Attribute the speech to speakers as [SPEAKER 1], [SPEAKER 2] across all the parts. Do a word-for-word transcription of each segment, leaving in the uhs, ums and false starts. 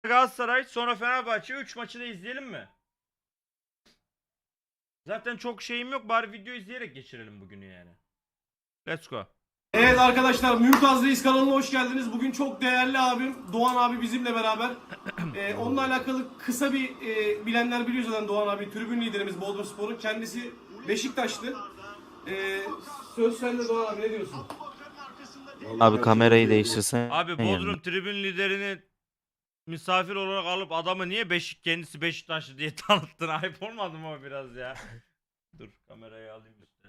[SPEAKER 1] Galatasaray, sonra Fenerbahçe. üç maçı da izleyelim mi? Zaten çok şeyim yok. Bari video izleyerek geçirelim bugünü yani. Let's go.
[SPEAKER 2] Evet arkadaşlar, Mümtaz Reis kanalına hoş geldiniz. Bugün çok değerli abim Doğan abi bizimle beraber. Ee, onunla alakalı kısa bir e, bilenler biliyor zaten Doğan abi. Tribün liderimiz Bodrumspor'un. Kendisi Beşiktaşlı. Ee, söz sende Doğan abi, ne diyorsun?
[SPEAKER 3] Abi kamerayı değiştirsen.
[SPEAKER 1] Abi Bodrum tribün liderini misafir olarak alıp adamı niye Beşik kendisi Beşiktaşlı diye tanıttın? Ayıp olmadı mı o biraz ya? Dur kamerayı alayım işte.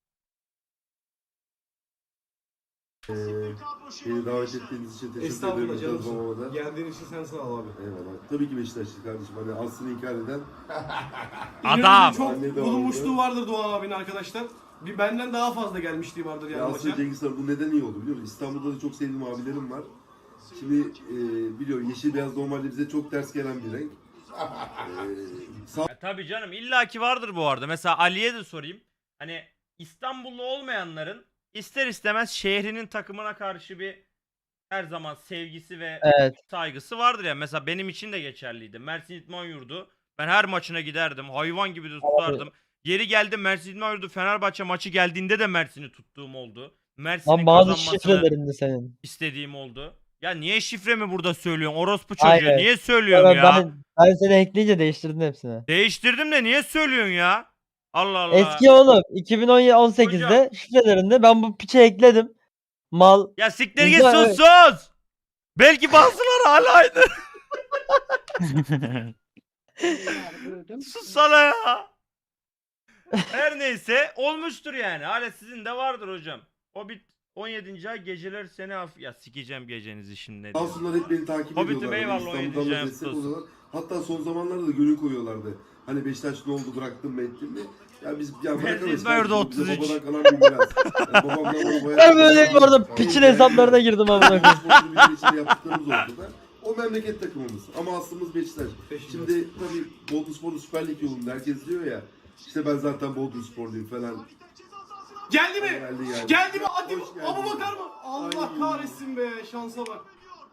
[SPEAKER 4] Ee, beni davet ettiğiniz için teşekkür
[SPEAKER 2] Estağfurullah
[SPEAKER 4] ederim.
[SPEAKER 2] canımsın. Geldiğin için sen sağ ol abi.
[SPEAKER 4] Eyvallah. Tabii ki Beşiktaşlı kardeşim. Hani aslını inkar eden.
[SPEAKER 1] Adam!
[SPEAKER 2] Çok
[SPEAKER 4] Anne de
[SPEAKER 2] bulunmuşluğu
[SPEAKER 4] oldu.
[SPEAKER 2] vardır Doğan abinin arkadaşlar. Bir benden daha fazla gelmişliği vardır
[SPEAKER 4] Ya
[SPEAKER 2] yani
[SPEAKER 4] aslında
[SPEAKER 2] maça.
[SPEAKER 4] Cengiz Han bu neden iyi oldu biliyor musun? İstanbul'da da çok sevdiğim abilerim var. Şimdi e, biliyorum yeşil beyaz normalde bize çok ters gelen bir renk. Ee, sağ
[SPEAKER 1] Ya tabii canım illaki vardır bu arada. Mesela Ali'ye de sorayım. Hani İstanbullu olmayanların ister istemez şehrinin takımına karşı bir her zaman sevgisi ve
[SPEAKER 3] Evet.
[SPEAKER 1] saygısı vardır ya. Mesela benim için de geçerliydi. Mersin İdman Yurdu. Ben her maçına giderdim. Hayvan gibi de tutardım. Yeri geldi Mersin İdman Yurdu Fenerbahçe maçı geldiğinde de Mersin'i tuttuğum oldu. Mersin'in
[SPEAKER 3] Lan bazı
[SPEAKER 1] kazanmasını
[SPEAKER 3] şifrelerinde senin.
[SPEAKER 1] istediğim oldu. Ya niye şifremi burada söylüyorsun? Orospu çocuğu.
[SPEAKER 3] Aynen.
[SPEAKER 1] Niye söylüyorsun
[SPEAKER 3] Ben,
[SPEAKER 1] ya?
[SPEAKER 3] ben, ben seni ekleyince değiştirdin hepsini.
[SPEAKER 1] Değiştirdim de niye söylüyorsun ya? Allah Allah.
[SPEAKER 3] Eski oğlum iki bin on sekizde şifrelerinde ben bu piçe ekledim. Mal.
[SPEAKER 1] Ya siktir git
[SPEAKER 3] Güzel,
[SPEAKER 1] sus sus. Belki bazıları hala aynı. Sus sana ya. Her neyse olmuştur yani. Hala sizin de vardır hocam. O bir on yedinci ay geceler seni af... Ya sikeceğim gecenizi şimdi ne diyor.
[SPEAKER 4] olsunlar hep beni takip
[SPEAKER 1] Hobbit'im
[SPEAKER 4] ediyorlar.
[SPEAKER 1] eyvallah,
[SPEAKER 4] Hani
[SPEAKER 1] o
[SPEAKER 4] İstanbul'dan
[SPEAKER 1] yedinci
[SPEAKER 4] da
[SPEAKER 1] ay
[SPEAKER 4] destek
[SPEAKER 1] kutlu olsun.
[SPEAKER 4] oluyorlar. Hatta son zamanlarda da gönül koyuyorlardı. Hani Beşiktaş ne oldu bıraktım mı ettim mi? Ya biz ya bırakamayız.
[SPEAKER 1] İzmir'de
[SPEAKER 4] kardeşim, bize
[SPEAKER 1] otuz üç.
[SPEAKER 4] Babadan kalan bir miras. Yani babamdan babaya-
[SPEAKER 3] Ben böyle bu arada piçin hesaplarına girdim amına koyayım.
[SPEAKER 4] Sporcu bir içinde yaptıklarımız ortada. O memleket takımımız. Ama aslımız Beşiktaş. Şimdi tabii Bodrumspor'un Süper Lig yolunda herkes diyor ya. İşte ben zaten Bodrumsporluyum falan.
[SPEAKER 2] Geldi mi?
[SPEAKER 4] Geldi, geldi.
[SPEAKER 2] Geldi mi? Hadi
[SPEAKER 4] Hoş geldin.
[SPEAKER 2] Abu Bakar mı? Allah
[SPEAKER 4] Ay.
[SPEAKER 2] kahretsin be, şansa bak.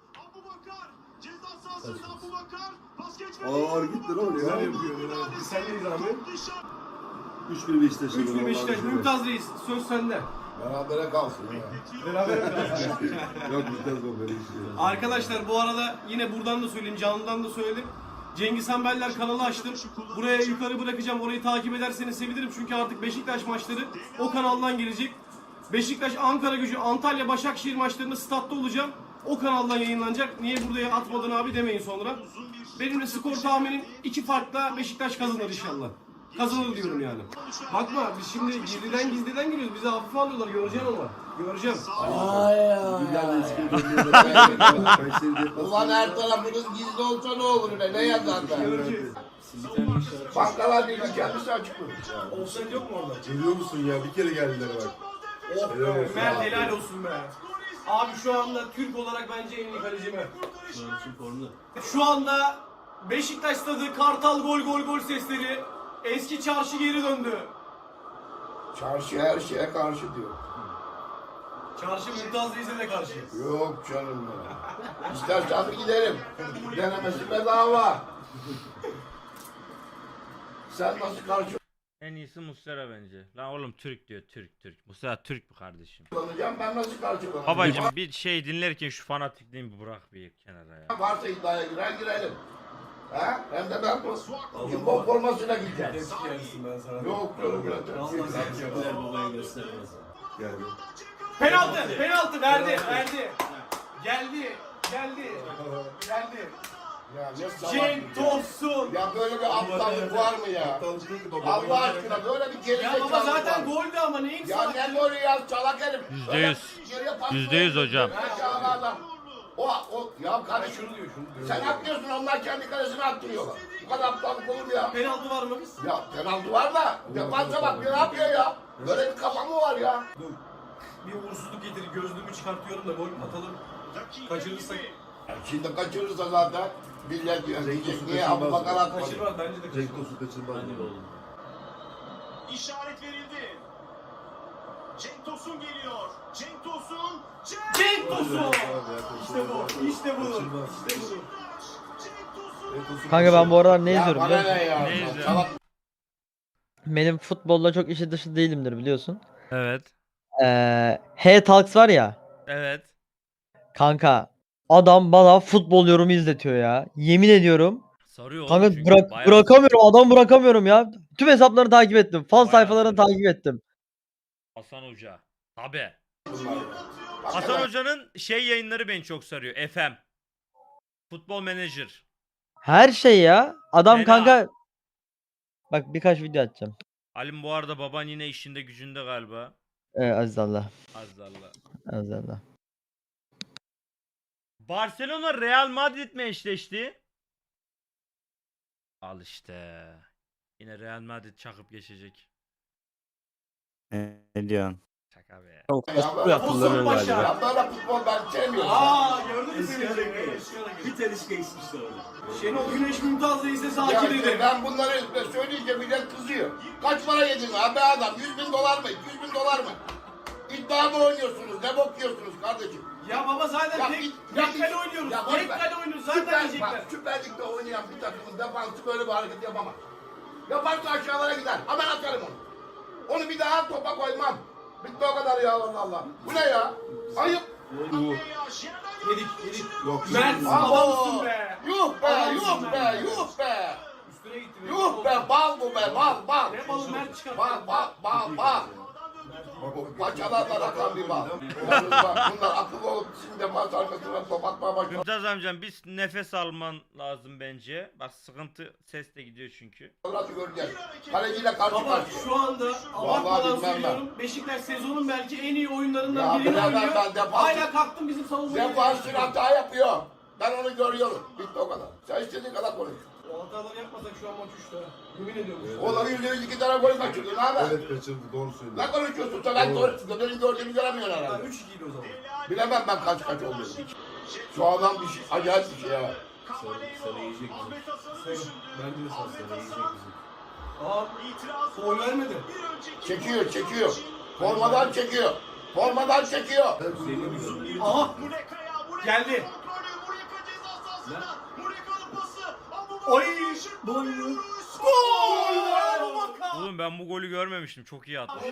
[SPEAKER 4] Ağır gitti lan oraya.
[SPEAKER 2] Güzel yapıyor ya. Biz sendeyiz abi.
[SPEAKER 4] üç bir Beşiktaş.
[SPEAKER 2] üç bir Beşiktaş. Mümtaz Reis söz sende.
[SPEAKER 5] Berabere kalsın ya.
[SPEAKER 2] Beraber kalsın.
[SPEAKER 4] Yok Mümtaz o böyle işte.
[SPEAKER 2] Arkadaşlar bu arada yine buradan da söyleyeyim, canlıdan da söyledim. Cengiz Han Beller kanalı açtım. Buraya yukarı bırakacağım. Orayı takip ederseniz sevinirim. Çünkü artık Beşiktaş maçları o kanaldan gelecek. Beşiktaş, Ankara Gücü, Antalya, Başakşehir maçlarında statta olacağım. O kanaldan yayınlanacak. Niye buraya atmadın abi demeyin sonra. Benim de skor tahminim iki farkla Beşiktaş kazanır inşallah. Kazanır diyorum yani. Bakma biz şimdi gizliden gizliden giriyoruz. Bizi hafife alıyorlar. Göreceksin ama. Göreceğim.
[SPEAKER 5] Ay
[SPEAKER 4] Güzel de eski
[SPEAKER 5] ya.
[SPEAKER 4] bölümlerde. Kayseri deplasmanı.
[SPEAKER 5] Ulan her tarafınız gizli olsa ne olur be, ne yazar be?
[SPEAKER 2] Göreceğiz.
[SPEAKER 5] Bankalar Birliği kendisi açıklıyor.
[SPEAKER 2] Offside yok mu orada?
[SPEAKER 4] Görüyor musun ya? Bir kere geldiler bak.
[SPEAKER 2] Oh
[SPEAKER 4] Helal
[SPEAKER 2] be,
[SPEAKER 4] olsun
[SPEAKER 2] Mert
[SPEAKER 4] abi.
[SPEAKER 2] helal olsun be. Abi şu anda Türk olarak bence en iyi kaleci Mert. Şu anda Beşiktaş stadı, Kartal gol gol gol sesleri. Eski çarşı geri döndü.
[SPEAKER 5] Çarşı her şeye karşı diyor.
[SPEAKER 2] Çarşı Mümtaz Reis'e de karşı.
[SPEAKER 5] Yok canım ya. İstersen bir giderim. Denemesi bedava. Sen nasıl karşı
[SPEAKER 1] En iyisi Muslera bence. Lan oğlum Türk diyor Türk Türk. Muslera Türk bu kardeşim.
[SPEAKER 5] kullanacağım, ben nasıl karşılanacağım?
[SPEAKER 1] Babacım bir şey dinlerken şu fanatikliğimi bir bırak bir kenara ya.
[SPEAKER 5] Varsa iddiaya girer girelim. Ha? Hem de ben bu futbol formasıyla gideceğim.
[SPEAKER 2] Eski yersin ben sana.
[SPEAKER 5] Yok canım ya.
[SPEAKER 4] Yani.
[SPEAKER 2] Penaltı, penaltı verdi, verdi. Geldi, geldi, geldi.
[SPEAKER 5] Ya ne salak.
[SPEAKER 2] Cenk Tosun.
[SPEAKER 5] Ya böyle bir aptallık var mı ya? Allah aşkına böyle bir geri
[SPEAKER 2] Ya
[SPEAKER 5] zekalık
[SPEAKER 2] baba
[SPEAKER 5] var.
[SPEAKER 2] zaten goldü ama neyin
[SPEAKER 5] Ya
[SPEAKER 2] salak?
[SPEAKER 5] ne golü ya, çalak herif.
[SPEAKER 1] Yüzde
[SPEAKER 5] Öyle
[SPEAKER 1] yüz.
[SPEAKER 5] geriye pas
[SPEAKER 1] Yüzde yüz
[SPEAKER 5] koyuyor.
[SPEAKER 1] hocam.
[SPEAKER 5] Ne çağlı adam. O, o, ya kardeşim
[SPEAKER 2] Şunu diyor, şunu diyor.
[SPEAKER 5] sen atmıyorsun, onlar kendi kalesine attırıyorlar. Bu kadar aptallık olur mu ya?
[SPEAKER 2] Penaltı var mı?
[SPEAKER 5] Ya penaltı var da defansa bak ne yapıyor ya? Böyle bir kafa mı var ya?
[SPEAKER 2] Dur. Bir uğursuzluk getirir, gözlüğümü çıkartıyorum da gol atalım. Kaçırırsak
[SPEAKER 5] Ya şimdi kaçırırsa zaten millet diyor. Diyecek
[SPEAKER 4] Cenk
[SPEAKER 5] niye
[SPEAKER 4] Tosun
[SPEAKER 5] Abu Bakar atmadı?
[SPEAKER 2] kaçırmaz bence de
[SPEAKER 4] Cenk
[SPEAKER 2] kaçırmaz.
[SPEAKER 4] Tosun kaçırmaz.
[SPEAKER 6] İşaret verildi. Cenk Tosun geliyor. Cenk Tosun.
[SPEAKER 2] Cenk Tosun!
[SPEAKER 4] Abi ya,
[SPEAKER 2] İşte bu, işte bu,
[SPEAKER 4] Kaçırmaz.
[SPEAKER 2] işte bu.
[SPEAKER 6] Cenk
[SPEAKER 3] Kanka ben bu aralar ne
[SPEAKER 5] Ya
[SPEAKER 3] izliyorum
[SPEAKER 5] bana
[SPEAKER 3] biliyor musun?
[SPEAKER 5] ne ya?
[SPEAKER 1] Ne izliyorsun?
[SPEAKER 5] Salak.
[SPEAKER 3] Benim futbolla çok işi dışı değilimdir biliyorsun.
[SPEAKER 1] Evet.
[SPEAKER 3] Ee, H-Talks var ya.
[SPEAKER 1] Evet.
[SPEAKER 3] Kanka adam bana futbol yorumu izletiyor ya. Yemin ediyorum.
[SPEAKER 1] Sarıyor oğlum
[SPEAKER 3] Kanka
[SPEAKER 1] çünkü.
[SPEAKER 3] bırak
[SPEAKER 1] Bayağı
[SPEAKER 3] bırakamıyorum. Adam bırakamıyorum ya. Tüm hesaplarını takip ettim. Fan
[SPEAKER 1] Bayağı
[SPEAKER 3] sayfalarını
[SPEAKER 1] sarıyor.
[SPEAKER 3] takip ettim.
[SPEAKER 1] Hasan Hoca. Tabi.
[SPEAKER 5] Bunlar ya.
[SPEAKER 1] Hasan Hoca'nın şey yayınları beni çok sarıyor. F M. Futbol Manager.
[SPEAKER 3] Her şey ya. Adam
[SPEAKER 1] Fena.
[SPEAKER 3] kanka. Bak birkaç video atacağım.
[SPEAKER 1] Halim bu arada baban yine işinde gücünde galiba.
[SPEAKER 3] Ee, Aziz Allah.
[SPEAKER 1] Azallah.
[SPEAKER 3] Aziz Allah.
[SPEAKER 1] Barcelona Real Madrid mi eşleşti? Al işte. Yine Real Madrid çakıp geçecek.
[SPEAKER 7] Ne diyorsun?
[SPEAKER 1] Şaka be.
[SPEAKER 7] Çok
[SPEAKER 5] Ya
[SPEAKER 7] kasıtlı
[SPEAKER 5] böyle
[SPEAKER 7] yaptılar
[SPEAKER 2] Tosun Paşa.
[SPEAKER 7] galiba.
[SPEAKER 5] Ya böyle futbol ben sevmiyorum.
[SPEAKER 2] Aa gördün mü seni?
[SPEAKER 6] Bir tanesi geçmişti orada.
[SPEAKER 2] Şenol Güneş Mümtaz Reis'e
[SPEAKER 5] Ya
[SPEAKER 2] sakin
[SPEAKER 5] işte
[SPEAKER 2] edin.
[SPEAKER 5] ben bunları söyleyince millet kızıyor. Kaç para yedin abi adam? yüz bin dolar mı? yüz bin dolar mı? İddia mı oynuyorsunuz? Ne bakıyorsunuz kardeşim?
[SPEAKER 2] Ya baba zaten
[SPEAKER 5] Ya
[SPEAKER 2] tek,
[SPEAKER 5] git-
[SPEAKER 2] tek
[SPEAKER 5] ya
[SPEAKER 2] kale
[SPEAKER 5] git-
[SPEAKER 2] oynuyoruz.
[SPEAKER 5] ya boş
[SPEAKER 2] tek
[SPEAKER 5] ver.
[SPEAKER 2] kale oynuyoruz. Zaten
[SPEAKER 5] Süper,
[SPEAKER 2] diyecekler.
[SPEAKER 5] bak, Süper Lig'de oynayan bir takımın defansı böyle bir hareket yapamaz. Yaparsa aşağılara gider. Hemen atarım onu. Onu bir daha topa koymam. Bitti o kadar ya Allah Allah. Bu ne ya? Ayıp.
[SPEAKER 2] Yedik yedik.
[SPEAKER 4] Yok.
[SPEAKER 2] Mert
[SPEAKER 5] Abo.
[SPEAKER 2] adamsın be.
[SPEAKER 5] Yuh be,
[SPEAKER 2] Adamsın
[SPEAKER 5] yuh be,
[SPEAKER 2] be.
[SPEAKER 5] yuh be.
[SPEAKER 2] Üstüne gitti. be.
[SPEAKER 5] Yuh be, bal bu be, bal, bal.
[SPEAKER 2] Ne balı Mert çıkarttı.
[SPEAKER 5] Bal, bal, bal, bal. Bu paçalarla akan bir bal. Bunlar, bunlar akıllı olup şimdi defans arkasına top atmaya başladı.
[SPEAKER 1] Mümtaz amcam biz nefes alman lazım bence. Bak sıkıntı ses de gidiyor çünkü.
[SPEAKER 5] Nasıl göreceğiz? Kaleciyle karşı
[SPEAKER 2] Baba
[SPEAKER 5] karşıya.
[SPEAKER 2] şu anda abartmadan
[SPEAKER 5] bilmem ben.
[SPEAKER 2] söylüyorum. Beşiktaş sezonun belki en iyi oyunlarından
[SPEAKER 5] Ya
[SPEAKER 2] birini
[SPEAKER 5] bilemem
[SPEAKER 2] oynuyor.
[SPEAKER 5] ben, defans-
[SPEAKER 2] Hala kalktım bizim savunmaya.
[SPEAKER 5] Defansın hata yapıyor. Ben onu görüyorum. Bitti o kadar. Sen istediğin kadar konuş.
[SPEAKER 2] O hataları yapmasak şu an maç üçte. Yemin ediyorum.
[SPEAKER 5] Oğlanın yüzde yüz iki tane gol kaçırdı. Ne haber?
[SPEAKER 4] Evet kaçırdı doğru söylüyor.
[SPEAKER 5] Ne konuşuyorsun? Sen ben doğru, benim gördüğümü göremiyorsun
[SPEAKER 2] Ha,
[SPEAKER 5] herhalde.
[SPEAKER 2] üç ikiydi o zaman.
[SPEAKER 5] Bilemem ben kaç kaç olduğunu. Şu adam bir şey, acayip bir şey ya.
[SPEAKER 6] Sana yiyecek bizi. Bence de sana yiyecek bizi.
[SPEAKER 2] Aa, foul vermedi.
[SPEAKER 5] Çekiyor, çekiyor. Formadan çekiyor. Formadan çekiyor.
[SPEAKER 2] Aha. Geldi. Oy. Gol.
[SPEAKER 1] Oğlum ben bu golü görmemiştim. Çok iyi atmış ya.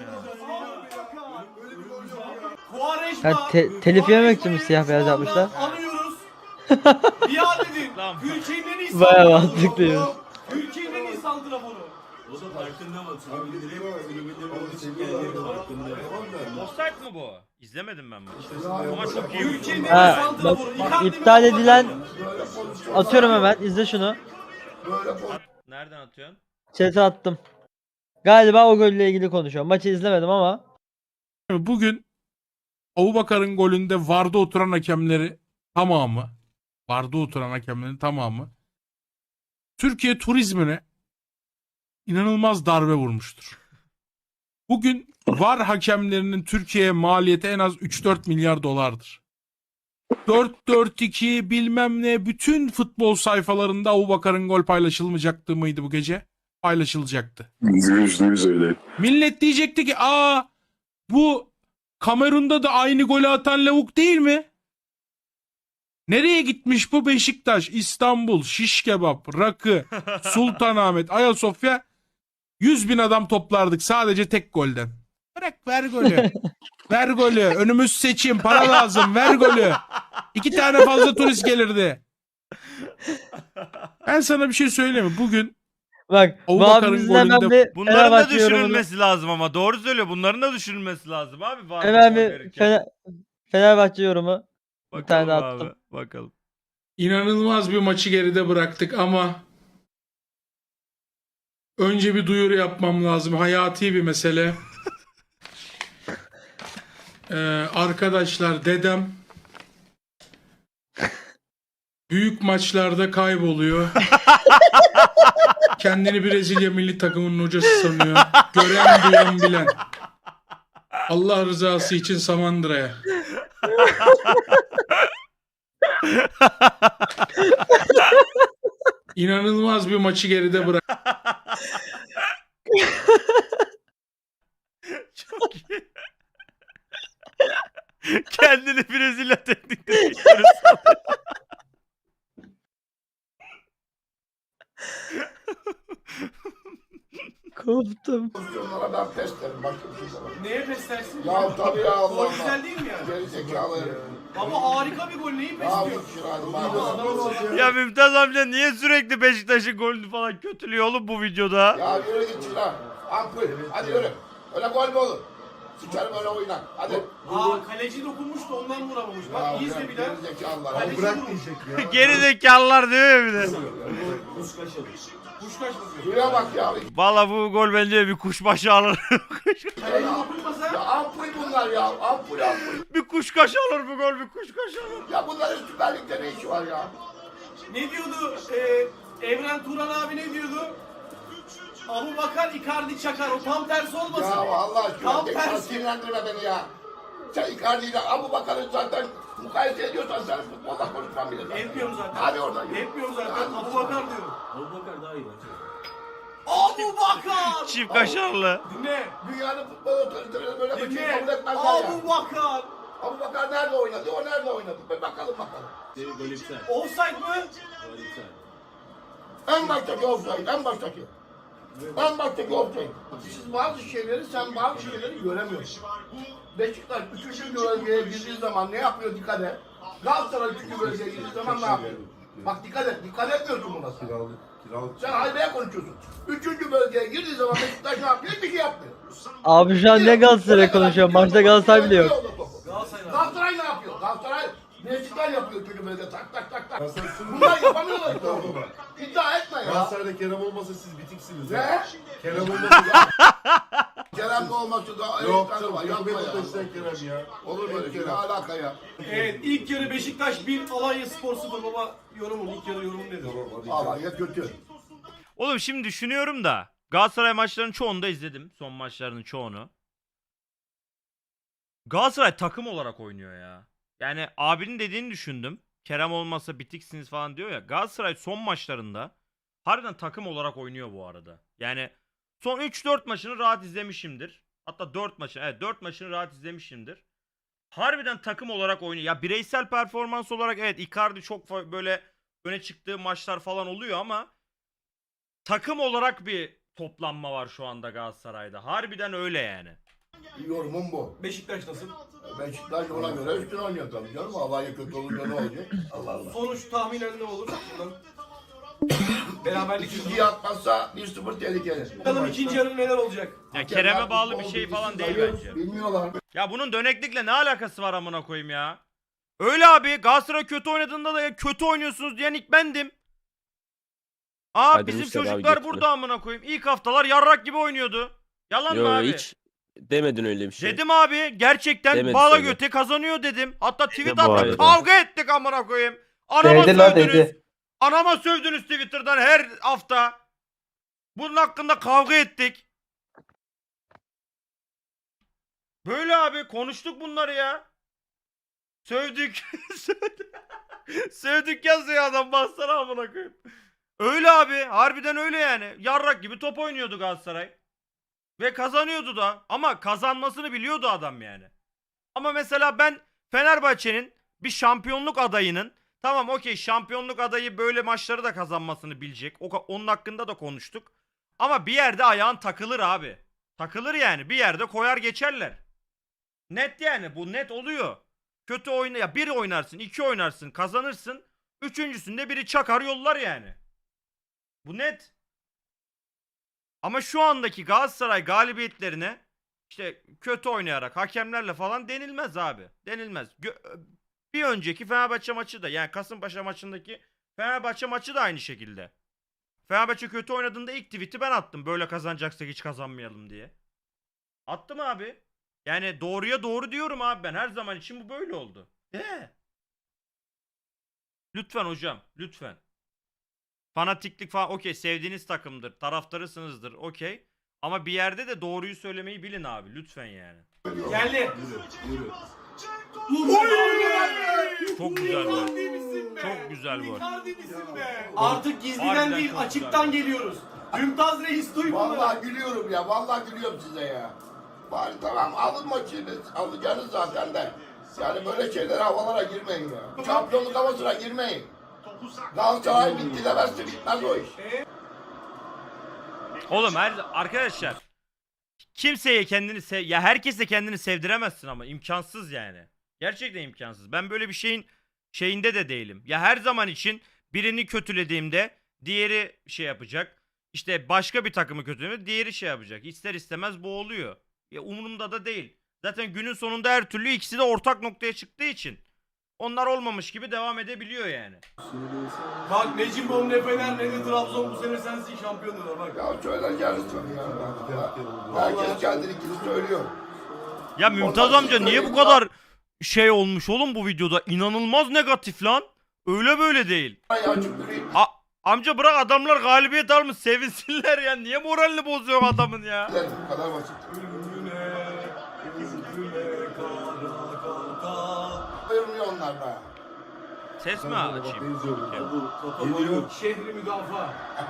[SPEAKER 2] Quaresma.
[SPEAKER 3] Ya te- telif yememek için mi siyah beyaz yapmışlar?
[SPEAKER 2] Anıyoruz. Biat edin.
[SPEAKER 1] Lan.
[SPEAKER 2] Ülkenin en iyi
[SPEAKER 3] Bayağı
[SPEAKER 2] santraforu.
[SPEAKER 3] mantıklıymış.
[SPEAKER 2] Ülkenin en iyi santraforu.
[SPEAKER 6] O da farkında mı?
[SPEAKER 4] Abi bir de
[SPEAKER 6] Tribünlerin
[SPEAKER 4] var,
[SPEAKER 6] tribünlerin
[SPEAKER 4] bir
[SPEAKER 6] için
[SPEAKER 4] de
[SPEAKER 6] geldiğinin
[SPEAKER 4] var.
[SPEAKER 6] farkında.
[SPEAKER 1] Offside mı bu? İzlemedim ben bunu.
[SPEAKER 4] Ya,
[SPEAKER 1] Ama çok iyi.
[SPEAKER 2] Ülkenin en iyi
[SPEAKER 3] Ha,
[SPEAKER 2] santraforu.
[SPEAKER 3] bak,
[SPEAKER 2] Icardi mi,
[SPEAKER 3] iptal
[SPEAKER 2] Abubakar'ı
[SPEAKER 3] edilen-
[SPEAKER 2] mı?
[SPEAKER 5] Böyle pozisyon.
[SPEAKER 3] Atıyorum hemen. İzle şunu.
[SPEAKER 5] Böyle pozisyon.
[SPEAKER 1] Nereden atıyorsun?
[SPEAKER 3] Chat'e attım. Galiba o golle ilgili konuşuyor. Maçı izlemedim ama.
[SPEAKER 8] Bugün Abubakar'ın golünde VAR'da oturan hakemleri tamamı, VAR'da oturan hakemlerin tamamı Türkiye turizmine inanılmaz darbe vurmuştur. Bugün VAR hakemlerinin Türkiye'ye maliyeti en az üç dört milyar dolardır. dört dört iki bilmem ne bütün futbol sayfalarında Abubakar'ın gol paylaşılmayacaktı mıydı bu gece? Paylaşılacaktı.
[SPEAKER 9] Yüzde yüz öyle.
[SPEAKER 8] Millet diyecekti ki aa bu Kamerun'da da aynı golü atan lavuk değil mi? Nereye gitmiş bu Beşiktaş, İstanbul, Şiş Kebap, Rakı, Sultanahmet, Ayasofya yüz bin adam toplardık sadece tek golden. Bırak ver golü. Ver golü. Önümüz seçim. Para lazım. Ver golü. İki tane fazla turist gelirdi. Ben sana bir şey söyleyeyim mi? Bugün
[SPEAKER 3] Bak bu
[SPEAKER 8] Abubakar'ın
[SPEAKER 3] abimizin hemen
[SPEAKER 8] golünde-
[SPEAKER 3] bir
[SPEAKER 1] Bunların da
[SPEAKER 3] Fenerbahçe yorumunu.
[SPEAKER 1] düşürülmesi lazım ama. Doğru söylüyor. Bunların da düşürülmesi lazım abi. Var
[SPEAKER 3] Hemen
[SPEAKER 1] mı
[SPEAKER 3] bir
[SPEAKER 1] verirken?
[SPEAKER 3] Fener- Fenerbahçe yorumu. Bir tane
[SPEAKER 1] Bakalım
[SPEAKER 3] daha
[SPEAKER 1] abi,
[SPEAKER 3] attım.
[SPEAKER 1] Bakalım.
[SPEAKER 8] İnanılmaz bir maçı geride bıraktık ama önce bir duyuru yapmam lazım. Hayati bir mesele. Ee, arkadaşlar dedem büyük maçlarda kayboluyor. Kendini Brezilya milli takımının hocası sanıyor. Gören duyan bilen. Allah rızası için Samandıra'ya. İnanılmaz bir maçı geride bırak.
[SPEAKER 1] Çok iyi. Kendini Brezilya teknik direktörü sanıyor.
[SPEAKER 3] Koptum.
[SPEAKER 5] Pozisyonlara ben pes derim. Başka bir şey demem.
[SPEAKER 2] Neye pes dersin?
[SPEAKER 5] Ya tabii ya Allah
[SPEAKER 2] Gol
[SPEAKER 5] Allah.
[SPEAKER 2] güzel değil mi yani?
[SPEAKER 5] Geri zekalı herif.
[SPEAKER 2] Ama harika bir gol. Neyi pes
[SPEAKER 5] Ya
[SPEAKER 2] diyor?
[SPEAKER 5] bir şey hadi bak.
[SPEAKER 1] Ya Mümtaz amca niye sürekli Beşiktaş'ın golünü falan kötülüyor oğlum bu videoda?
[SPEAKER 5] Ya yürü git şuna. Ampul. Hadi yürü. Öyle gol mü olur? Sikerim öyle oynak. Hadi.
[SPEAKER 2] Aa kaleci dokunmuş da ondan vuramamış. Bak
[SPEAKER 5] Ya
[SPEAKER 2] iyi izle
[SPEAKER 5] bırak,
[SPEAKER 2] bir daha.
[SPEAKER 5] geri zekalılar.
[SPEAKER 2] Kaleci
[SPEAKER 4] Bırak
[SPEAKER 2] vurmuş.
[SPEAKER 4] diyecek ya.
[SPEAKER 1] Geri zekalılar diyor ya bir de.
[SPEAKER 2] Kuşkaş bakıyor.
[SPEAKER 5] Şuraya bak ya.
[SPEAKER 1] Valla bu gol bence bir kuşbaşı alır.
[SPEAKER 2] Kaleci dokunmasa
[SPEAKER 5] Ya ampul bunlar ya. Ampul ampul.
[SPEAKER 1] bir kuşkaş alır bu gol bir kuşkaş alır.
[SPEAKER 5] Ya bunların Süper Lig'de ne işi var ya?
[SPEAKER 2] ne diyordu? Ee, Evren Turan abi ne diyordu? Abu Bakar Icardi çakar. O tam tersi olmasın.
[SPEAKER 5] Ya Allah aşkına.
[SPEAKER 2] Tam
[SPEAKER 5] Tekrar
[SPEAKER 2] tersi.
[SPEAKER 5] sinirlendirme beni ya. Sen Icardi ile Abu Bakar'ı zaten mukayese ediyorsan sen futbolda konuşman bile zaten.
[SPEAKER 2] Etmiyorum zaten.
[SPEAKER 5] Hadi oradan yürü.
[SPEAKER 2] Etmiyorum zaten.
[SPEAKER 5] Hadi.
[SPEAKER 2] Abu Bakar diyorum. Abu Bakar daha iyi bence. Abu Bakar!
[SPEAKER 1] Çift kaşarlı.
[SPEAKER 2] Dinle.
[SPEAKER 5] Dünyanın futbol otoriteleri böyle bir şey
[SPEAKER 2] Dinle.
[SPEAKER 5] kabul etmezler ya.
[SPEAKER 2] Abu Bakar.
[SPEAKER 5] Abu Bakar nerede oynadı? O nerede oynadı? Bir bakalım bakalım.
[SPEAKER 2] Offside mı?
[SPEAKER 5] En baştaki offside, en baştaki. En baştaki offside. Siz bazı şeyleri, sen bazı şeyleri göremiyorsun. Beşiktaş üçüncü bölgeye girdiği zaman ne yapıyor dikkat et. Galatasaray üçüncü bölgeye girdiği zaman ne yapıyor? Bak dikkat et, dikkat etmiyorsun buna sen.
[SPEAKER 4] Kiralık. Kiralık.
[SPEAKER 5] Sen haybeye konuşuyorsun. Üçüncü bölgeye girdiği zaman Beşiktaş ne yapıyor? Hiçbir şey yapmıyor.
[SPEAKER 3] Abi şu an ne Galatasaray konuşuyor? Maçta Galatasaray bile yok.
[SPEAKER 2] Galatasaray.
[SPEAKER 5] Galatasaray ne yapıyor? Galatasaray Beşiktaş yapıyor üçüncü bölgede tak tak tak tak.
[SPEAKER 4] Galatasaray
[SPEAKER 5] Bunlar yapamıyorlar işte. İddia etme ya.
[SPEAKER 4] Galatasaray'da Kerem olmasa siz bitiksiniz
[SPEAKER 5] Ne?
[SPEAKER 4] ya. Kerem olmasa
[SPEAKER 5] Kerem'de olması da
[SPEAKER 4] yok
[SPEAKER 5] evet,
[SPEAKER 4] canım.
[SPEAKER 5] var.
[SPEAKER 4] Yok
[SPEAKER 5] Yapma ya.
[SPEAKER 4] Beşiktaş'tan Kerem ya.
[SPEAKER 5] Olur böyle şey. Ne
[SPEAKER 4] Kerem.
[SPEAKER 5] alaka ya?
[SPEAKER 2] Evet ilk yarı Beşiktaş bir Alanya Spor sıfır baba yorumun ilk yarı yorumun nedir?
[SPEAKER 5] Alanya kötü.
[SPEAKER 1] Oğlum şimdi düşünüyorum da Galatasaray maçlarının çoğunu da izledim. Son maçlarının çoğunu. Galatasaray takım olarak oynuyor ya. Yani abinin dediğini düşündüm. Kerem olmasa bitiksiniz falan diyor ya. Galatasaray son maçlarında harbiden takım olarak oynuyor bu arada. Yani son üç dört maçını rahat izlemişimdir. Hatta dört maçını, evet dört maçını rahat izlemişimdir. Harbiden takım olarak oynuyor. Ya bireysel performans olarak evet Icardi çok fa- böyle öne çıktığı maçlar falan oluyor ama takım olarak bir toplanma var şu anda Galatasaray'da. Harbiden öyle yani.
[SPEAKER 5] Yorumum bu.
[SPEAKER 2] Beşiktaş nasıl?
[SPEAKER 5] Beşiktaş ona göre üstün oynuyor tabii canım. Alanya kötü olunca ne olacak? Allah Allah.
[SPEAKER 2] Sonuç tahminen ne olur? Buradan. Beraberlik
[SPEAKER 5] İkinciyi atmazsa bir sıfır tehlikeli.
[SPEAKER 2] Bakalım ikinci yarı neler olacak?
[SPEAKER 1] Ya Kerem'e bağlı bir şey falan değil bence.
[SPEAKER 5] Bilmiyorlar.
[SPEAKER 1] Ya bunun döneklikle ne alakası var amına koyayım ya? Öyle abi Galatasaray kötü oynadığında da ya kötü oynuyorsunuz diyen ilk bendim. Aa
[SPEAKER 7] Hadi
[SPEAKER 1] bizim
[SPEAKER 7] Mustafa abi
[SPEAKER 1] çocuklar
[SPEAKER 7] götüne.
[SPEAKER 1] burada amına koyayım. İlk haftalar yarrak gibi oynuyordu. Yalan mı
[SPEAKER 7] Yo
[SPEAKER 1] abi?
[SPEAKER 7] hiç demedin öyle bir şey.
[SPEAKER 1] Dedim abi gerçekten
[SPEAKER 7] Demedi
[SPEAKER 1] Bala
[SPEAKER 7] söyle.
[SPEAKER 1] Göte kazanıyor dedim. Hatta tweet
[SPEAKER 7] bu
[SPEAKER 1] attım
[SPEAKER 7] arada.
[SPEAKER 1] kavga ettik amına koyayım. Anama
[SPEAKER 3] Dedi lan,
[SPEAKER 1] sövdünüz.
[SPEAKER 3] dedi.
[SPEAKER 1] Anama sövdünüz Twitter'dan her hafta. Bunun hakkında kavga ettik. Böyle abi konuştuk bunları ya. Sövdük. Sövdük. Sövdük yazıyor adam bassana amına koyayım. Öyle abi harbiden öyle yani. Yarrak gibi top oynuyordu Galatasaray. Ve kazanıyordu da. Ama kazanmasını biliyordu adam yani. Ama mesela ben Fenerbahçe'nin bir şampiyonluk adayının tamam okey şampiyonluk adayı böyle maçları da kazanmasını bilecek. O, onun hakkında da konuştuk. Ama bir yerde ayağın takılır abi. Takılır yani. Bir yerde koyar geçerler. Net yani. Bu net oluyor. Kötü oyna ya bir oynarsın, iki oynarsın, kazanırsın. Üçüncüsünde biri çakar yollar yani. Bu net. Ama şu andaki Galatasaray galibiyetlerine işte kötü oynayarak hakemlerle falan denilmez abi. Denilmez. Gö- bir önceki Fenerbahçe maçı da yani Kasımpaşa maçındaki Fenerbahçe maçı da aynı şekilde. Fenerbahçe kötü oynadığında ilk tweet'i ben attım. Böyle kazanacaksak hiç kazanmayalım diye. Attım abi. Yani doğruya doğru diyorum abi ben. Her zaman için bu böyle oldu. De. Lütfen hocam. Lütfen. Fanatiklik falan okey sevdiğiniz takımdır. Taraftarısınızdır okey. Ama bir yerde de doğruyu söylemeyi bilin abi. Lütfen yani.
[SPEAKER 2] Geldi.
[SPEAKER 1] Çok güzel bu. Çok güzel bu.
[SPEAKER 2] Artık gizliden
[SPEAKER 1] Harbiden
[SPEAKER 2] değil
[SPEAKER 1] çok
[SPEAKER 2] açıktan
[SPEAKER 1] güzel.
[SPEAKER 2] geliyoruz. Mümtaz Reis duy bunları.
[SPEAKER 5] Vallahi gülüyorum ya. Vallahi gülüyorum size ya. Bari tamam alın maçını. Alacağınız zaten de. Yani böyle şeylere havalara girmeyin ya. Şampiyonluk havasına girmeyin. Galatasaray bitti demezse bitmez o iş.
[SPEAKER 1] Oğlum her arkadaşlar kimseye kendini sev ya herkese kendini sevdiremezsin ama imkansız yani. Gerçekten imkansız. Ben böyle bir şeyin şeyinde de değilim. Ya her zaman için birini kötülediğimde diğeri şey yapacak. İşte başka bir takımı kötülediğimde diğeri şey yapacak. İster istemez bu oluyor. Ya umurumda da değil. Zaten günün sonunda her türlü ikisi de ortak noktaya çıktığı için onlar olmamış gibi devam edebiliyor yani.
[SPEAKER 2] Bak ne Cimbom ne Fener ne de Trabzon bu sene sensin şampiyon diyorlar bak.
[SPEAKER 5] Ya söyler lütfen ya. Herkes kendininkini söylüyor.
[SPEAKER 1] Ya Mümtaz amca niye bu kadar şey olmuş oğlum bu videoda? İnanılmaz negatif lan. Öyle böyle değil. A amca bırak adamlar galibiyet almış sevinsinler ya. Niye moralini bozuyor adamın ya?
[SPEAKER 5] Bu kadar basit. Ayırmıyor onlar be.
[SPEAKER 1] Ses mi açayım?
[SPEAKER 4] Geliyor.
[SPEAKER 2] Şehri müdafaa.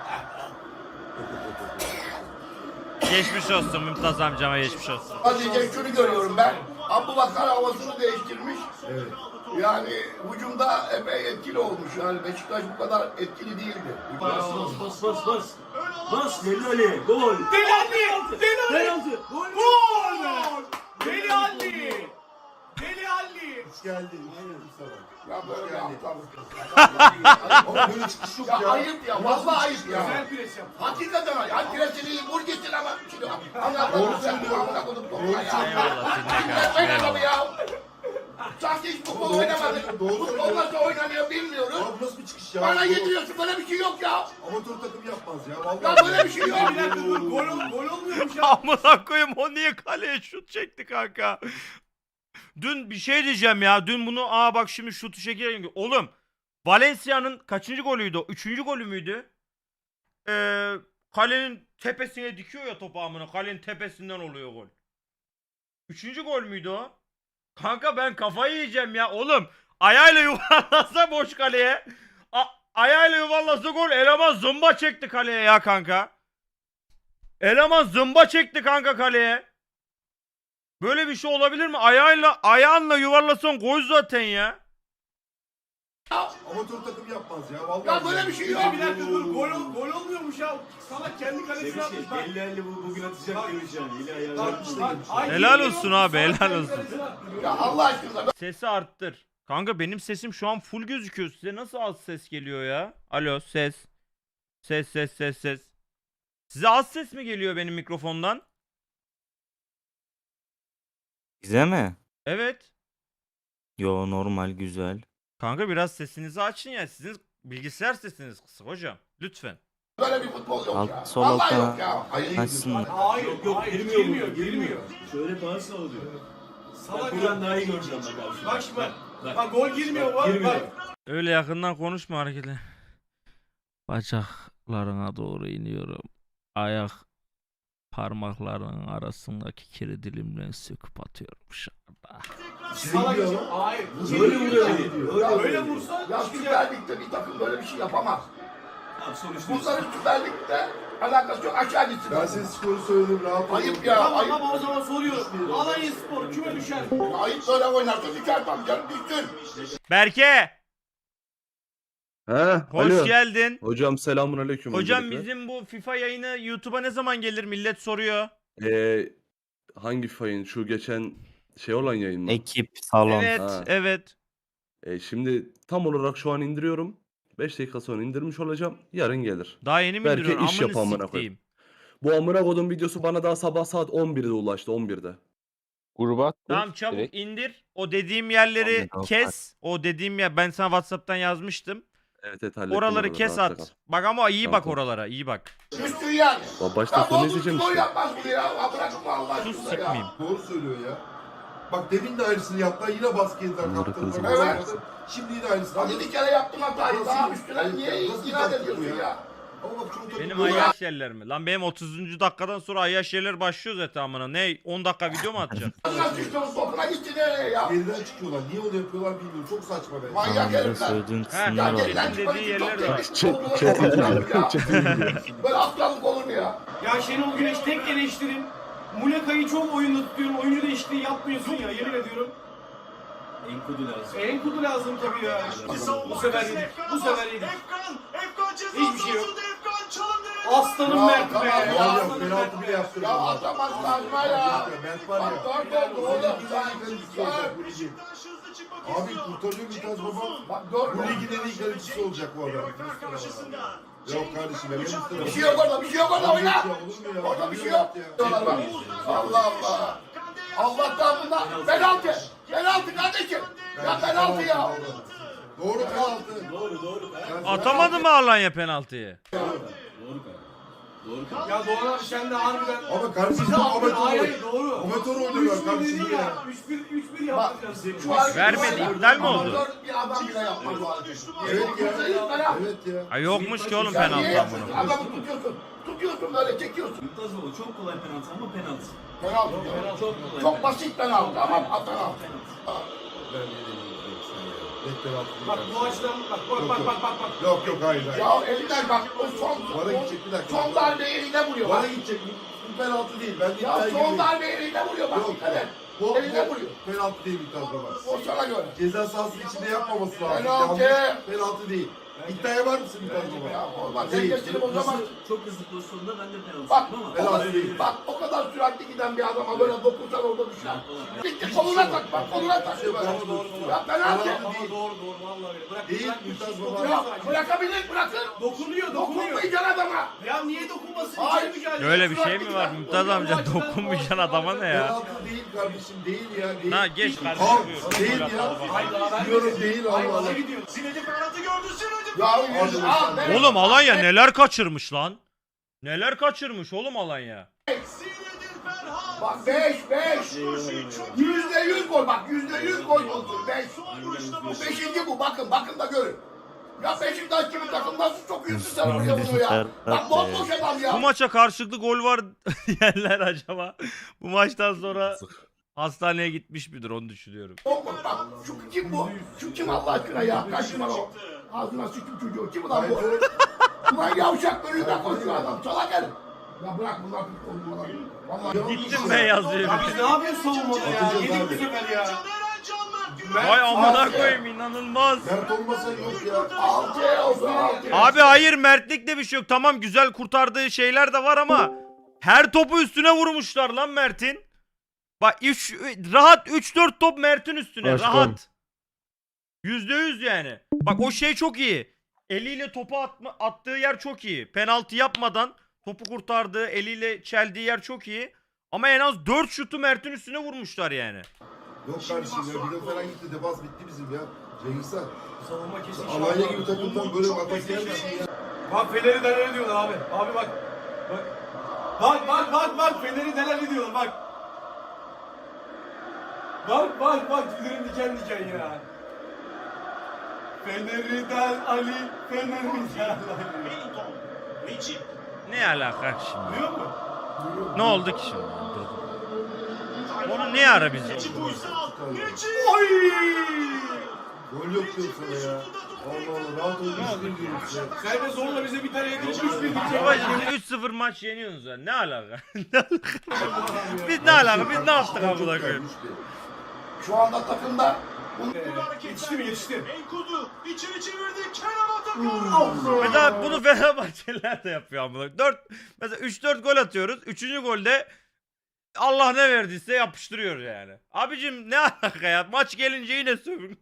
[SPEAKER 1] Geçmiş olsun Mümtaz amcama geçmiş olsun.
[SPEAKER 5] Sadece şunu görüyorum ben. Abubakar havasını değiştirmiş.
[SPEAKER 4] Evet.
[SPEAKER 5] Yani hücumda epey etkili olmuş. Yani Beşiktaş bu kadar etkili değildi.
[SPEAKER 2] Bas bas bas bas. Bas Deli Ali. Gol. Deli Ali. Deli Ali. Gol. Gol. Deli Ali. Deli Ali.
[SPEAKER 4] Hoş geldin. Ne dedim sana?
[SPEAKER 5] Ya böyle bir aptallık.
[SPEAKER 4] Ama böyle çıkış yok
[SPEAKER 5] Ya
[SPEAKER 4] ya.
[SPEAKER 5] ayıp ya. Vallahi ayıp ya.
[SPEAKER 2] Güzel pres yap.
[SPEAKER 5] Hakikaten ayıp. Hani presini vur getir ama. Şimdi amına koydum sen bu amına koydum topuğa ya.
[SPEAKER 1] Eyvallah dinle kardeşim
[SPEAKER 5] Ben adamı
[SPEAKER 1] eyvallah.
[SPEAKER 5] ya. Sanki hiç futbol oynamadık. Futbol nasıl oynanıyor bilmiyoruz.
[SPEAKER 4] Abi nasıl bir çıkış ya?
[SPEAKER 5] Bana
[SPEAKER 4] Bu
[SPEAKER 5] yediriyorsun böyle bir şey yok ya.
[SPEAKER 4] Amatör takım yapmaz ya. Vallahi.
[SPEAKER 5] Ya böyle bir şey yok.
[SPEAKER 2] Bir dakika dur. Gol, ol- gol olmuyormuş ya.
[SPEAKER 1] Amına koyayım o niye kaleye şut çekti kanka? Dün bir şey diyeceğim ya. Dün bunu aa bak şimdi şutu çekerek. Oğlum Valencia'nın kaçıncı golüydü o? Üçüncü golü müydü? Ee, kalenin tepesine dikiyor ya topu amına. Kalenin tepesinden oluyor gol. Üçüncü gol müydü o? Kanka ben kafayı yiyeceğim ya. Oğlum ayağıyla yuvarlasa boş kaleye. A ayağıyla yuvarlasa gol. Eleman zımba çekti kaleye ya kanka. Eleman zımba çekti kanka kaleye. Böyle bir şey olabilir mi? Ayağıyla ayağınla yuvarlasan gol zaten ya.
[SPEAKER 4] Amatör takım yapmaz ya. Vallahi.
[SPEAKER 5] Ya böyle bir şey yok.
[SPEAKER 2] Bir dakika dur. Gol, ol- gol olmuyormuş ya. Salak kendi kalesine atmış. Bak.
[SPEAKER 9] elli elli bu bugün atacak demiş yani. Eli ayağına
[SPEAKER 2] Bak,
[SPEAKER 9] atmış da
[SPEAKER 2] bak,
[SPEAKER 9] gelmiş.
[SPEAKER 2] ay,
[SPEAKER 1] Helal
[SPEAKER 2] yemin
[SPEAKER 1] olsun
[SPEAKER 2] ediyorum,
[SPEAKER 1] abi,
[SPEAKER 2] salak
[SPEAKER 1] helal
[SPEAKER 2] kendi
[SPEAKER 1] olsun.
[SPEAKER 2] kalesine atmış.
[SPEAKER 5] Ya Allah aşkına.
[SPEAKER 1] Sesi arttır. Kanka benim sesim şu an full gözüküyor. Size nasıl az ses geliyor ya? Alo ses. Ses ses ses ses. Size az ses mi geliyor benim mikrofondan?
[SPEAKER 10] Bize mi?
[SPEAKER 1] Evet.
[SPEAKER 10] Yo normal güzel.
[SPEAKER 1] Kanka biraz sesinizi açın ya. Sizin bilgisayar sesiniz kısık hocam. Lütfen.
[SPEAKER 5] Böyle bir futbol yok
[SPEAKER 10] Alt-
[SPEAKER 5] ya.
[SPEAKER 10] sol
[SPEAKER 5] Vallahi
[SPEAKER 10] altta
[SPEAKER 5] yok ya. Hayır.
[SPEAKER 10] açsın.
[SPEAKER 2] Hayır
[SPEAKER 9] Yok yok
[SPEAKER 2] hayır,
[SPEAKER 9] girmiyor
[SPEAKER 2] girmiyor,
[SPEAKER 9] bu,
[SPEAKER 2] girmiyor.
[SPEAKER 9] Şöyle bağırsa oluyor.
[SPEAKER 2] Salak
[SPEAKER 9] Bak
[SPEAKER 2] ya.
[SPEAKER 9] buradan daha iyi göreceğim bak abi.
[SPEAKER 2] Bak şimdi bak.
[SPEAKER 9] Bak.
[SPEAKER 2] Bak gol girmiyor bak.
[SPEAKER 9] Girmiyor.
[SPEAKER 2] Bak.
[SPEAKER 1] Öyle yakından konuşma hareketler. Bacaklarına doğru iniyorum. Ayak parmaklarının arasındaki kiri dilimle söküp atıyorum dışarıda.
[SPEAKER 2] Salak ya. Hayır.
[SPEAKER 9] Böyle vuruyor.
[SPEAKER 5] Ya
[SPEAKER 9] Öyle
[SPEAKER 2] Böyle
[SPEAKER 9] vuruyor.
[SPEAKER 2] vursa
[SPEAKER 5] Ya
[SPEAKER 2] çıkacak.
[SPEAKER 5] Süper Lig'de bir takım böyle bir şey yapamaz.
[SPEAKER 9] Abi sonuçta.
[SPEAKER 5] Bunların Süper Lig'de alakası yok. Aşağı gitsin.
[SPEAKER 4] Ben size skoru söyledim. Rahat olun.
[SPEAKER 5] Ayıp ya.
[SPEAKER 2] Tamam
[SPEAKER 5] Ayıp.
[SPEAKER 2] ama o zaman soruyorum. Alanya Spor küme düşer.
[SPEAKER 5] Ayıp böyle oynarsa düşer tam canım düşsün.
[SPEAKER 1] Berke,
[SPEAKER 7] Ha,
[SPEAKER 1] hoş
[SPEAKER 7] alo.
[SPEAKER 1] geldin.
[SPEAKER 7] Hocam selamun aleyküm.
[SPEAKER 1] Hocam
[SPEAKER 7] öncelikle.
[SPEAKER 1] bizim bu FIFA yayını YouTube'a ne zaman gelir millet soruyor.
[SPEAKER 7] Ee, hangi fayın? Şu geçen şey olan yayın mı?
[SPEAKER 10] Ekip, salon.
[SPEAKER 1] Evet,
[SPEAKER 7] Ha.
[SPEAKER 1] evet.
[SPEAKER 7] Ee, şimdi tam olarak şu an indiriyorum. beş dakika sonra indirmiş olacağım. Yarın gelir.
[SPEAKER 1] Daha yeni mi
[SPEAKER 7] Berke
[SPEAKER 1] indiriyorsun?
[SPEAKER 7] iş yap
[SPEAKER 1] Amını
[SPEAKER 7] amına
[SPEAKER 1] siktiğim.
[SPEAKER 7] Bu amına kodum videosu bana daha sabah saat on birde ulaştı. on birde.
[SPEAKER 11] Gruba at.
[SPEAKER 1] Tamam çabuk indir. O dediğim yerleri
[SPEAKER 10] Tamam,
[SPEAKER 1] kes. O dediğim yer ben sana WhatsApp'tan yazmıştım.
[SPEAKER 7] Evet evet hallettim.
[SPEAKER 1] Oraları
[SPEAKER 7] oraları,
[SPEAKER 1] kes
[SPEAKER 7] rahatta
[SPEAKER 1] at.
[SPEAKER 7] kal.
[SPEAKER 1] Bak ama iyi
[SPEAKER 7] Tamam,
[SPEAKER 1] bak
[SPEAKER 7] tamam.
[SPEAKER 1] oralara, iyi bak.
[SPEAKER 5] Düşsün yani.
[SPEAKER 7] Ba- Başta
[SPEAKER 5] Ya
[SPEAKER 7] sonra
[SPEAKER 5] bu
[SPEAKER 7] izleyeceğim
[SPEAKER 5] futbol
[SPEAKER 7] işte.
[SPEAKER 5] yapmaz bunu ya. Ya bırakın Allah
[SPEAKER 1] Sus
[SPEAKER 5] aşkına
[SPEAKER 1] sıkmayayım.
[SPEAKER 5] ya.
[SPEAKER 4] Doğru söylüyor ya. Bak demin de aynısını yaptılar. Yine baskı yediler.
[SPEAKER 10] Bunları
[SPEAKER 4] Kaptanlar
[SPEAKER 10] kızım.
[SPEAKER 4] baskı
[SPEAKER 5] Evet.
[SPEAKER 4] yaptı. Şimdi yine aynısını.
[SPEAKER 5] Hadi bir kere yaptım hatayı.
[SPEAKER 4] Nasıl-
[SPEAKER 5] Daha üstüne niye
[SPEAKER 4] Nasıl bir
[SPEAKER 5] inat
[SPEAKER 4] taktik bu
[SPEAKER 5] ediyorsun
[SPEAKER 4] ya?
[SPEAKER 5] ya?
[SPEAKER 4] Ama bak çoğu takım
[SPEAKER 1] Benim
[SPEAKER 4] böyle-
[SPEAKER 1] ayyaş yerler mi? Lan benim otuzuncu dakikadan sonra ayyaş yerler başlıyor zaten amına. Ne? on dakika video mu atacaksın?
[SPEAKER 5] Nasıl düştün topuna gitti nereye ya?
[SPEAKER 4] Geriden çıkıyorlar. Niye onu yapıyorlar bilmiyorum. Çok saçma be.
[SPEAKER 5] Manyak
[SPEAKER 10] Tamam, bize
[SPEAKER 5] herifler.
[SPEAKER 10] söylediğin
[SPEAKER 1] Ha,
[SPEAKER 10] kısımlar
[SPEAKER 5] Ya
[SPEAKER 1] tamam.
[SPEAKER 10] var.
[SPEAKER 5] geriden
[SPEAKER 1] Dediği
[SPEAKER 5] çıkmak için
[SPEAKER 1] yerler
[SPEAKER 5] çok
[SPEAKER 1] var.
[SPEAKER 5] teknik.
[SPEAKER 7] Çet-
[SPEAKER 5] Futbolu
[SPEAKER 7] çet-
[SPEAKER 5] yapamıyorum ya. Böyle aptallık olur mu ya?
[SPEAKER 2] Ya Şenol Güneş tek eleştirim. Muleka'yı çok oyunda tutuyorum. Oyuncu değişikliği yapmıyorsun ya yemin ediyorum.
[SPEAKER 9] Enkudu lazım.
[SPEAKER 2] Enkudu lazım tabii ya. Bu sefer yedik. Bu sefer yedik.
[SPEAKER 6] Efkan, Efkan ceza
[SPEAKER 2] Hiçbir şey yok.
[SPEAKER 6] sahasında Efkan çalımları.
[SPEAKER 2] Aslanım
[SPEAKER 5] Ya,
[SPEAKER 2] Mert be.
[SPEAKER 5] tamam ya.
[SPEAKER 2] Aslanım
[SPEAKER 4] Yok,
[SPEAKER 2] Mert
[SPEAKER 4] penaltı
[SPEAKER 2] be.
[SPEAKER 4] bile yaptırmadı.
[SPEAKER 5] Ya atamaz Kazma ya.
[SPEAKER 4] Mert var ya.
[SPEAKER 5] Bak dört oldu oğlum. Sen
[SPEAKER 4] Bu ligi. Abi kurtarıyor Mümtaz Baba.
[SPEAKER 5] Bak dört
[SPEAKER 4] Bu
[SPEAKER 5] oldu.
[SPEAKER 4] ligin en iyi kalecisi olacak bu adam. Yok kardeşim ben
[SPEAKER 5] Bir şey yok orada, bir şey yok orada oyna.
[SPEAKER 4] Olur mu ya?
[SPEAKER 5] Orada bir şey yok. Diyorlar bak. Allah Allah. Allah'tan bunlar penaltı. Penaltı kardeşim. Ya penaltı ya.
[SPEAKER 4] Doğru penaltı.
[SPEAKER 9] Doğru doğru. Ben-
[SPEAKER 1] Atamadı mı Alanya penaltıyı?
[SPEAKER 9] Doğru kanka. Doğru kanka.
[SPEAKER 2] Ya Doğan abi sen de harbiden.
[SPEAKER 4] Ama kardeşim
[SPEAKER 2] Bizi
[SPEAKER 4] bu
[SPEAKER 2] aldın, hayır hayır
[SPEAKER 4] amatör.
[SPEAKER 2] doğru.
[SPEAKER 4] Amatör oynuyorlar kardeşim ya.
[SPEAKER 2] üç bir üç bir
[SPEAKER 5] Bak,
[SPEAKER 2] yaptık.
[SPEAKER 5] şu an-
[SPEAKER 1] Vermedi, iptal mi oldu?
[SPEAKER 5] Amatör bir adam bile yapmaz bu hareketi.
[SPEAKER 4] Evet ya.
[SPEAKER 5] Penaltı.
[SPEAKER 4] Evet ya.
[SPEAKER 1] Ha yokmuş ki oğlum
[SPEAKER 5] Sen niye
[SPEAKER 1] penaltı
[SPEAKER 5] yapıyorsun?
[SPEAKER 1] amına.
[SPEAKER 5] Adamı tutuyorsun. Tutuyorsun böyle çekiyorsun.
[SPEAKER 9] Mümtaz Baba çok kolay penaltı ama penaltı.
[SPEAKER 5] Penaltı.
[SPEAKER 9] Penaltı çok kolay.
[SPEAKER 5] Çok basit penaltı ama penaltı.
[SPEAKER 4] Ben de yenildim sen ya. Net penaltı.
[SPEAKER 2] Bak bu açıdan bak bak bak bak bak. bak.
[SPEAKER 4] Yok yok hayır hayır.
[SPEAKER 5] Ya elinden bak o son
[SPEAKER 4] Bana gidecek bir dakika.
[SPEAKER 5] son darbe eline vuruyor
[SPEAKER 4] Bana
[SPEAKER 5] bak.
[SPEAKER 4] gidecek. Bu, bu penaltı değil. Ben de
[SPEAKER 5] Ya
[SPEAKER 4] iddiaya
[SPEAKER 5] son
[SPEAKER 4] gireyim.
[SPEAKER 5] darbe eline vuruyor bak.
[SPEAKER 4] Yok.
[SPEAKER 5] Dikkat et.
[SPEAKER 4] Bu,
[SPEAKER 5] Eline
[SPEAKER 4] bu
[SPEAKER 5] vuruyor.
[SPEAKER 4] penaltı değil Mümtaz Baba.
[SPEAKER 5] O sana göre.
[SPEAKER 4] Ceza sahasının içinde yapmaması lazım.
[SPEAKER 5] Penaltı.
[SPEAKER 4] Yanlış. Penaltı değil. İddiaya var mısın Mümtaz Baba?
[SPEAKER 5] Ya olmaz. Sen
[SPEAKER 4] Değil.
[SPEAKER 5] geçirip o zaman.
[SPEAKER 9] Çok hızlı pozisyonda ben de penaltı
[SPEAKER 5] Bak,
[SPEAKER 9] yaptım ama.
[SPEAKER 5] o kadar,
[SPEAKER 4] Penaltı değil.
[SPEAKER 5] bak o kadar süratli giden bir adama böyle dokunsan orada düşer. Bitti koluna tak bak koluna tak.
[SPEAKER 4] Yok, doğru, doğru, doğru.
[SPEAKER 5] Ya penaltı.
[SPEAKER 4] Penaltı
[SPEAKER 2] Ama
[SPEAKER 4] değil.
[SPEAKER 2] doğru doğru vallahi öyle. Bırak.
[SPEAKER 4] Değil,
[SPEAKER 2] bırak,
[SPEAKER 4] Mümtaz
[SPEAKER 2] bırak,
[SPEAKER 4] Baba.
[SPEAKER 2] bırak.
[SPEAKER 5] Ya bırakabilir bırakır.
[SPEAKER 2] Dokunuyor dokunuyor.
[SPEAKER 5] Dokunmayacaksın adama.
[SPEAKER 2] Ya niye dokunmasın?
[SPEAKER 5] Hayır.
[SPEAKER 2] İçeri mücadele.
[SPEAKER 1] Öyle bir şey mi var Mümtaz amca, dokunmayacaksın adama ne ya?
[SPEAKER 4] Penaltı değil kardeşim değil ya. Değil.
[SPEAKER 1] Ha geç kardeşim.
[SPEAKER 4] Al,
[SPEAKER 1] buyur.
[SPEAKER 4] değil
[SPEAKER 1] Gol
[SPEAKER 4] ya.
[SPEAKER 1] atalım.
[SPEAKER 2] Hayır daha ben
[SPEAKER 4] Diyorum değil Allah Allah.
[SPEAKER 6] Zinedine penaltı gördü. Zinedine.
[SPEAKER 5] Ya yüz al. ver.
[SPEAKER 1] Oğlum Alanya neler kaçırmış lan? Neler kaçırmış oğlum Alanya?
[SPEAKER 6] Zinedine Ferhat.
[SPEAKER 5] Bak beş beş. Yüzde yüz gol bak yüzde yüz gol oldu. Beş. Bu beşinci bu bakın bakın da görün. Ya Beşiktaş gibi takım nasıl sokuyorsun sen oraya bunu ya? Bak bomboş adam
[SPEAKER 1] Bu
[SPEAKER 5] ya.
[SPEAKER 1] maça karşılıklı gol var yerler acaba. Bu maçtan sonra hastaneye gitmiş midir onu düşünüyorum.
[SPEAKER 5] Bomboş bak şu kim bu? Şu kim Allah aşkına ya? Kaç numara o? Ağzına sıçtım çocuğu. Kim ulan bu? Ulan yavşak önünden koşuyor adam. Salak herif. Ya bırak bunlar futbol bunlar. Vallahi
[SPEAKER 1] Gittim ben yazıyor.
[SPEAKER 2] Ya biz ne yapıyoruz savunmada ya?
[SPEAKER 4] Atacağız
[SPEAKER 2] Yedik
[SPEAKER 4] abi.
[SPEAKER 2] bu sefer ya.
[SPEAKER 6] Caner Can Mert Güler.
[SPEAKER 1] Vay amına koyayım inanılmaz.
[SPEAKER 4] Mert olmasa yok ya.
[SPEAKER 5] altı oldu altı.
[SPEAKER 1] Abi hayır Mertlikte bir şey yok. Tamam güzel kurtardığı şeyler de var ama her topu üstüne vurmuşlar lan Mert'in. Bak üç, rahat üç dört top Mert'in üstüne
[SPEAKER 3] Aşkım.
[SPEAKER 1] rahat. yüzde yüz yani. Bak o şey çok iyi. Eliyle topu atma, attığı yer çok iyi. Penaltı yapmadan topu kurtardığı, eliyle çeldiği yer çok iyi. Ama en az dört şutu Mert'in üstüne vurmuşlar yani.
[SPEAKER 4] Yok kardeşim ya. Bir de falan gitti. Defans bitti bizim ya. Cengiz Han.
[SPEAKER 2] Savunma kesin.
[SPEAKER 4] Alanya gibi takımdan böyle bir atak gelmesin ya.
[SPEAKER 2] Bak Fener'i neler ediyorlar abi. Abi bak. Bak. Bak bak bak bak Fener'i neler ediyorlar bak. Bak bak bak tüylerim diken diken ya. Fener'den Ali, Fener'den Ali.
[SPEAKER 6] Wellington. Necip.
[SPEAKER 1] Ne alaka şimdi?
[SPEAKER 2] Duyuyor musun?
[SPEAKER 1] Ne oldu ki şimdi? Onu ne ara biz?
[SPEAKER 6] Necip Uysal. Necip.
[SPEAKER 2] Oy!
[SPEAKER 4] Gol yok diyor sana ya. Allah Allah. Rahat ol. Üç bir diyorum size.
[SPEAKER 2] Sen de zorla bize bir tane yedin. üç bir diyecek.
[SPEAKER 1] Babacım üç sıfır maç yeniyorsunuz ya. Ne alaka? Ne alaka? Biz ne alaka? Biz ne yaptık amına koyayım?
[SPEAKER 5] Şu anda takımda
[SPEAKER 2] Yetişti mi yetişti.
[SPEAKER 6] Enkudu. İçeri çevirdi. Kenan Atakan.
[SPEAKER 1] Mesela bunu Fenerbahçeliler de yapıyor amına. dört mesela üç dört gol atıyoruz. üçüncü golde Allah ne verdiyse yapıştırıyor yani. Abicim ne alaka ya? Maç gelince yine sövün.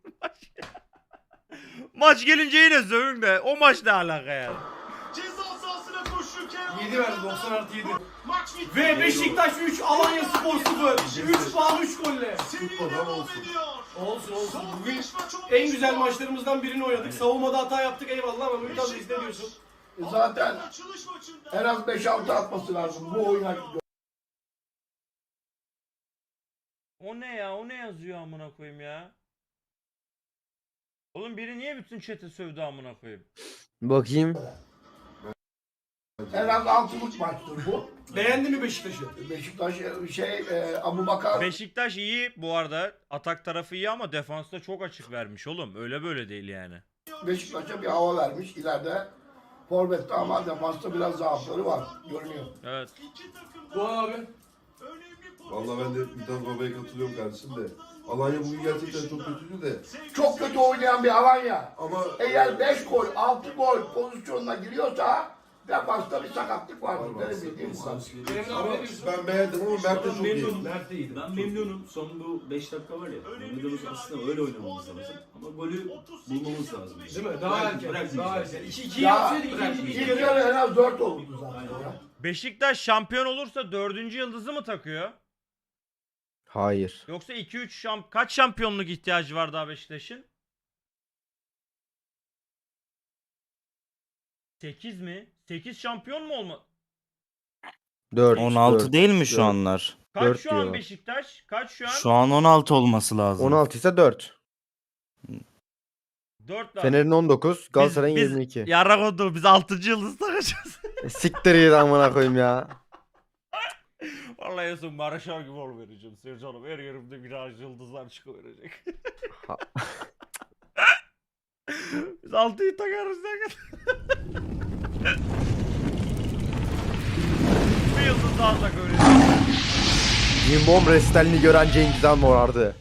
[SPEAKER 1] Maç gelince yine sövün de o maç ne alaka yani?
[SPEAKER 6] Ceza sahasına koştu Kenan.
[SPEAKER 2] yedi verdi doksan artı yedi.
[SPEAKER 6] Maç bitti.
[SPEAKER 2] Ve Beşiktaş üç, Alanya Spor sıfır. üç puan üç golle.
[SPEAKER 6] Seri
[SPEAKER 4] Tutmadı ama
[SPEAKER 6] devam
[SPEAKER 4] olsun.
[SPEAKER 6] ediyor.
[SPEAKER 2] Olsun olsun.
[SPEAKER 6] Son
[SPEAKER 2] Bugün
[SPEAKER 6] beş maç olmuş.
[SPEAKER 2] en güzel maçlarımızdan birini oynadık. Savunmada hata yaptık eyvallah ama Mümtaz Reis ne diyorsun?
[SPEAKER 5] zaten
[SPEAKER 6] Açılış maçında.
[SPEAKER 5] en az beş altı atması lazım bu oyuna.
[SPEAKER 1] O ne ya? O ne yazıyor amına koyayım ya? Oğlum biri niye bütün chat'i sövdü amına koyayım?
[SPEAKER 3] Bakayım.
[SPEAKER 5] En az altılık maçtır bu.
[SPEAKER 2] Beğendi mi Beşiktaş'ı?
[SPEAKER 5] Beşiktaş şey e, Abu Bakar
[SPEAKER 1] Beşiktaş iyi bu arada. Atak tarafı iyi ama defansta çok açık vermiş oğlum. Öyle böyle değil yani.
[SPEAKER 5] Beşiktaş'a bir hava vermiş. İleride forvette ama defansta biraz zaafları var. Görünüyor.
[SPEAKER 1] Evet.
[SPEAKER 6] İki takım da
[SPEAKER 2] Doğan abi.
[SPEAKER 6] önemli pozisyon.
[SPEAKER 4] Vallahi ben de Mümtaz Baba'ya katılıyorum kardeşim de. Alanya bugün gerçekten çok kötüydü de.
[SPEAKER 5] Çok kötü oynayan bir Alanya.
[SPEAKER 4] Ama
[SPEAKER 5] Eğer beş gol, altı gol pozisyonuna giriyorsa Defansta bir sakatlık vardı. Benim bildiğim bu kadar.
[SPEAKER 4] Ama ben beğendim ama Mert de çok iyi.
[SPEAKER 9] Memnunum. Ben memnunum. Son bu beş dakika var ya. Oynadığımız aslında öyle oynamamız lazım. Ama golü bulmamız lazım.
[SPEAKER 2] Değil mi? Daha erken. Daha erken. iki iki
[SPEAKER 5] Ya
[SPEAKER 2] yapsaydık ikinci
[SPEAKER 5] ilk
[SPEAKER 2] ilk
[SPEAKER 5] yarı
[SPEAKER 2] yarı.
[SPEAKER 5] en az dört olurdu zaten ya.
[SPEAKER 1] Beşiktaş şampiyon olursa dördüncü yıldızı mı takıyor?
[SPEAKER 11] Hayır.
[SPEAKER 1] Yoksa iki üç şamp kaç şampiyonluk ihtiyacı var daha Beşiktaş'ın? sekiz mi? sekiz şampiyon mu olma?
[SPEAKER 11] dört.
[SPEAKER 10] on altı
[SPEAKER 11] dört,
[SPEAKER 10] değil mi şu
[SPEAKER 11] dört.
[SPEAKER 1] Kaç
[SPEAKER 10] anlar?
[SPEAKER 11] Dört
[SPEAKER 1] şu an
[SPEAKER 11] diyor.
[SPEAKER 1] Beşiktaş? Kaç şu an?
[SPEAKER 10] Şu an on altı olması lazım.
[SPEAKER 11] on altı ise dört.
[SPEAKER 1] dört daha.
[SPEAKER 11] Fener'in on dokuz, Galatasaray'ın
[SPEAKER 1] biz-
[SPEAKER 11] yirmi iki.
[SPEAKER 1] Yarrak oldu biz altıncı yıldız takacağız.
[SPEAKER 11] E, Siktir git amına koyayım ya.
[SPEAKER 1] Vallahi en son Maraşar gibi ol vereceğim Sercan'ım. Her yerimde biraz yıldızlar çıkıverecek.
[SPEAKER 11] Ha.
[SPEAKER 1] Biz altıyı takarız ne kadar. Bir yıldız daha tak öyle.
[SPEAKER 11] Cimbom restalini gören Cengiz Han morardı.